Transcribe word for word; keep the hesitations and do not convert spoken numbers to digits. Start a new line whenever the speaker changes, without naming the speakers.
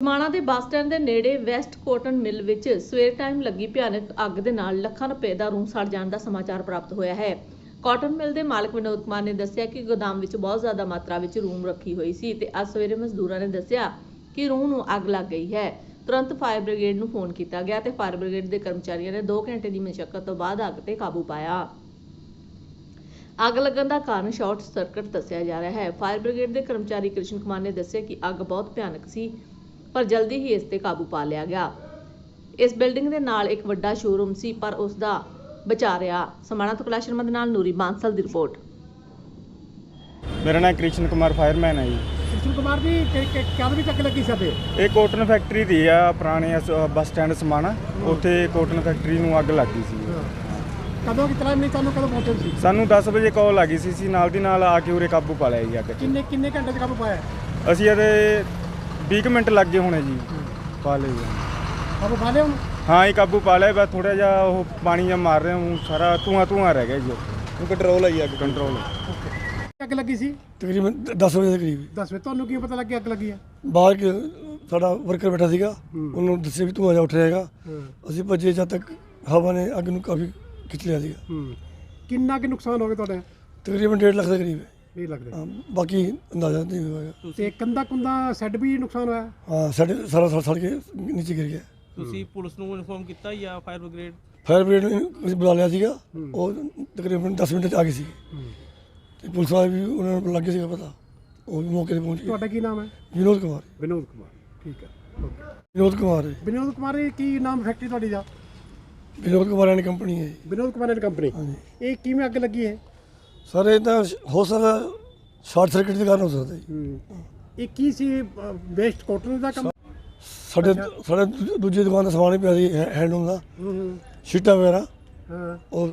ਸਮਾਣਾ ਦੇ bus stand ਦੇ ਨੇੜੇ ਵੈਸਟ ਕੋਟਨ ਮਿਲ ਵਿੱਚ ਸਵੇਰ ਟਾਈਮ ਲੱਗੀ ਭਿਆਨਕ ਅੱਗ ਦੇ ਨਾਲ ਲੱਖਾਂ ਰੁਪਏ ਦਾ ਰੂਮ ਸੜ ਜਾਣ ਦਾ ਸਮਾਚਾਰ ਪ੍ਰਾਪਤ ਹੋਇਆ ਹੈ। ਕਾਟਨ ਮਿਲ ਦੇ ਮਾਲਕ ਵਿਨੋਦ ਕੁਮਾਰ ਨੇ ਦੱਸਿਆ ਕਿ ਗੋਦਾਮ ਵਿੱਚ ਬਹੁਤ ਜ਼ਿਆਦਾ ਮਾਤਰਾ ਵਿੱਚ ਰੂਮ ਰੱਖੀ ਹੋਈ ਸੀ ਤੇ ਅੱਜ ਸਵੇਰੇ ਮਜ਼ਦੂਰਾਂ ਨੇ ਦੱਸਿਆ ਕਿ ਰੂਮ ਨੂੰ ਅੱਗ ਲੱਗ ਗਈ ਹੈ। ਤੁਰੰਤ ਫਾਇਰ ਬ੍ਰਿਗੇਡ ਨੂੰ ਫੋਨ ਕੀਤਾ ਗਿਆ ਤੇ ਫਾਇਰ ਬ੍ਰਿਗੇਡ ਦੇ ਕਰਮਚਾਰੀਆਂ ਨੇ ਦੋ ਘੰਟੇ ਦੀ ਮਸ਼ੱਕਤ ਤੋਂ ਬਾਅਦ ਅੱਗ ਤੇ ਕਾਬੂ ਪਾਇਆ। ਅੱਗ ਲੱਗਣ ਦਾ ਕਾਰਨ ਸ਼ਾਰਟ ਸਰਕਟ ਦੱਸਿਆ ਜਾ ਰਿਹਾ ਹੈ। ਫਾਇਰ ਬ੍ਰਿਗੇਡ ਦੇ ਕਰਮਚਾਰੀ ਕ੍ਰਿਸ਼ਨ ਕੁਮਾਰ ਨੇ ਦੱਸਿਆ ਕਿ ਅੱਗ ਬਹੁਤ ਭਿਆਨਕ ਸੀ ਪਰ ਜਲਦੀ ਹੀ ਇਸ ਤੇ ਕਾਬੂ ਪਾ ਲਿਆ ਗਿਆ। ਇਸ ਬਿਲਡਿੰਗ ਦੇ ਨਾਲ ਇੱਕ ਵੱਡਾ ਸ਼ੋਰੂਮ ਸੀ ਪਰ ਉਸ ਦਾ ਬਚਾ ਰਿਹਾ। ਸਮਾਣਾ ਤੋਂ ਕੈਲਾਸ਼ ਸ਼ਰਮਾ ਦੇ ਨਾਲ ਨੂਰੀ ਬਾਂਸਲ ਦੀ ਰਿਪੋਰਟ।
ਮੇਰਾ ਨਾਮ ਕ੍ਰਿਸ਼ਨ ਕੁਮਾਰ ਫਾਇਰਮੈਨ ਹੈ ਜੀ।
ਕ੍ਰਿਸ਼ਨ ਕੁਮਾਰ ਜੀ ਕਦ ਵੀ ਚੱਕ ਲੱਗੀ ਸਾਡੇ
ਇਹ ਕੋਟਨ ਫੈਕਟਰੀ ਦੀ ਆ, ਪੁਰਾਣੇ ਬੱਸ ਸਟੈਂਡ ਸਮਾਣਾ, ਉੱਥੇ ਕੋਟਨ ਫੈਕਟਰੀ ਨੂੰ ਅੱਗ ਲੱਗੀ ਸੀ।
ਕਦੋਂ ਕਿਤਨਾ ਨਹੀਂ ਤੁਹਾਨੂੰ ਕਦੋਂ ਪਹੁੰਚੇ ਸੀ?
ਸਾਨੂੰ ਦਸ ਵਜੇ ਕਾਲ ਲੱਗੀ ਸੀ ਸੀ ਨਾਲ ਦੀ ਨਾਲ ਆ ਕੇ ਉਰੇ ਕਾਬੂ ਪਾ ਲਿਆ ਜੀ ਅੱਗ 'ਚ।
ਕਿੰਨੇ ਕਿੰਨੇ ਘੰਟੇ 'ਚ ਕਾਬੂ ਪਾਇਆ?
ਅਸੀਂ ਇਹਦੇ ਵੀਹ ਕੁ ਮਿੰਟ ਲੱਗੇ ਹੋਣੇ ਜੀ, ਪਾ ਲਿਆ ਜੀ।
ਕਾਬੂ ਪਾ ਲਿਆ ਹੁਣ?
ਹਾਂ ਇਹ ਕਾਬੂ ਪਾ ਲਿਆ, ਬਸ ਥੋੜਾ ਜਿਹਾ ਉਹ ਪਾਣੀ ਜਿਹਾ ਮਾਰ ਰਿਹਾ, ਹੁਣ ਸਾਰਾ ਧੂਆਂ ਧੂਆਂ ਰਹਿ ਗਿਆ ਜੀ। ਉਹ ਕੰਟਰੋਲ ਹੈ ਜੀ, ਅੱਗ ਕੰਟਰੋਲ।
ਅੱਗ ਲੱਗੀ ਸੀ
ਤਕਰੀਬਨ ਦਸ ਵਜੇ ਦੇ ਕਰੀਬ।
ਦਸ ਵਜੇ ਤੁਹਾਨੂੰ ਕੀ ਪਤਾ ਲੱਗਿਆ ਅੱਗ ਲੱਗੀ ਹੈ?
ਬਾਹਰ ਕਿ ਸਾਡਾ ਵਰਕਰ ਬੈਠਾ ਸੀਗਾ, ਉਹਨੂੰ ਦੱਸਿਆ ਵੀ ਧੂੰਆਂ ਜਿਹਾ ਉੱਠ ਰਿਹਾ ਹੈਗਾ। ਅਸੀਂ ਭੱਜੇ, ਜਦ ਤੱਕ ਹਵਾ ਨੇ ਅੱਗ ਨੂੰ ਕਾਫੀ ਖਿੱਚ ਲਿਆ ਸੀਗਾ।
ਹੂੰ ਕਿੰਨਾ ਕੁ ਨੁਕਸਾਨ ਹੋ ਗਿਆ ਤੁਹਾਡਾ?
ਤਕਰੀਬਨ ਡੇਢ ਲੱਖ ਦੇ ਕਰੀਬ ਹੈ।
ਇਹ ਲੱਗਦਾ
ਹਾਂ, ਬਾਕੀ ਅੰਦਾਜ਼ਾ ਨਹੀਂ ਹੋਇਆ।
ਤੇ ਕੰਦਾ ਕੁੰਦਾ ਸੈੱਡ ਵੀ ਨੁਕਸਾਨ ਹੋਇਆ?
ਹਾਂ, ਸਾਡੇ ਸਾਰਾ ਸੜ ਸੜ ਕੇ ਨੀਚੇ ਗਿਰ ਗਿਆ।
ਤੁਸੀਂ ਪੁਲਿਸ ਨੂੰ ਇਨਫੋਰਮ ਕੀਤਾ ਜਾਂ ਫਾਇਰ ਬ੍ਰਿਗੇਡ?
ਫਾਇਰ ਬ੍ਰਿਗੇਡ ਨੂੰ ਅਸੀਂ ਬੁਲਾ ਲਿਆ ਸੀਗਾ, ਉਹ ਤਕਰੀਬਨ ਦਸ ਮਿੰਟ 'ਚ ਆ ਗਈ ਸੀ। ਤੇ ਪੁਲਿਸ ਵਾਲੇ ਵੀ ਉਹਨਾਂ ਨੂੰ ਲੱਗ ਗਿਆ ਸੀਗਾ ਪਤਾ, ਉਹ ਵੀ ਮੌਕੇ 'ਤੇ ਪਹੁੰਚ ਗਏ।
ਤੁਹਾਡਾ ਕੀ ਨਾਮ ਹੈ?
ਵਿਨੋਦ ਕੁਮਾਰ।
ਵਿਨੋਦ ਕੁਮਾਰ, ਠੀਕ ਹੈ। ਓਕੇ
ਵਿਨੋਦ ਕੁਮਾਰ ਹੈ।
ਵਿਨੋਦ ਕੁਮਾਰ ਇਹ ਕੀ ਨਾਮ ਫੈਕਟਰੀ ਤੁਹਾਡੀ ਦਾ?
ਵਿਨੋਦ ਕੁਮਾਰ ਐਂਡ ਕੰਪਨੀ ਹੈ ਜੀ।
Vinod Kumar and company.
ਹਾਂਜੀ
ਇਹ ਕਿਵੇਂ ਅੱਗ ਲੱਗੀ ਹੈ?
ਸਰ ਇਹ ਤਾਂ ਹੋ ਸਕਦਾ ਸ਼ਾਰਟ ਸਰਕਟ ਦੇ ਕਾਰਨ ਹੋ ਸਕਦਾ ਜੀ।
ਹੂੰ ਇਹ ਕੀ ਸੀ? ਵੇਸਟ ਕੋਟਨ ਦਾ ਕੰਮ?
ਸਾਡੇ ਸਾਡੇ ਦੂ- ਦੂਜੀ ਦੁਕਾਨ ਦਾ ਸਮਾਨ ਹੀ ਪਿਆ ਸੀ, ਹੈਂਡਲੂਮ ਦਾ,
ਹੂੰ ਹੂੰ
ਸ਼ੀਟਾਂ ਵਗੈਰਾ,
ਹਾਂ
ਉਹ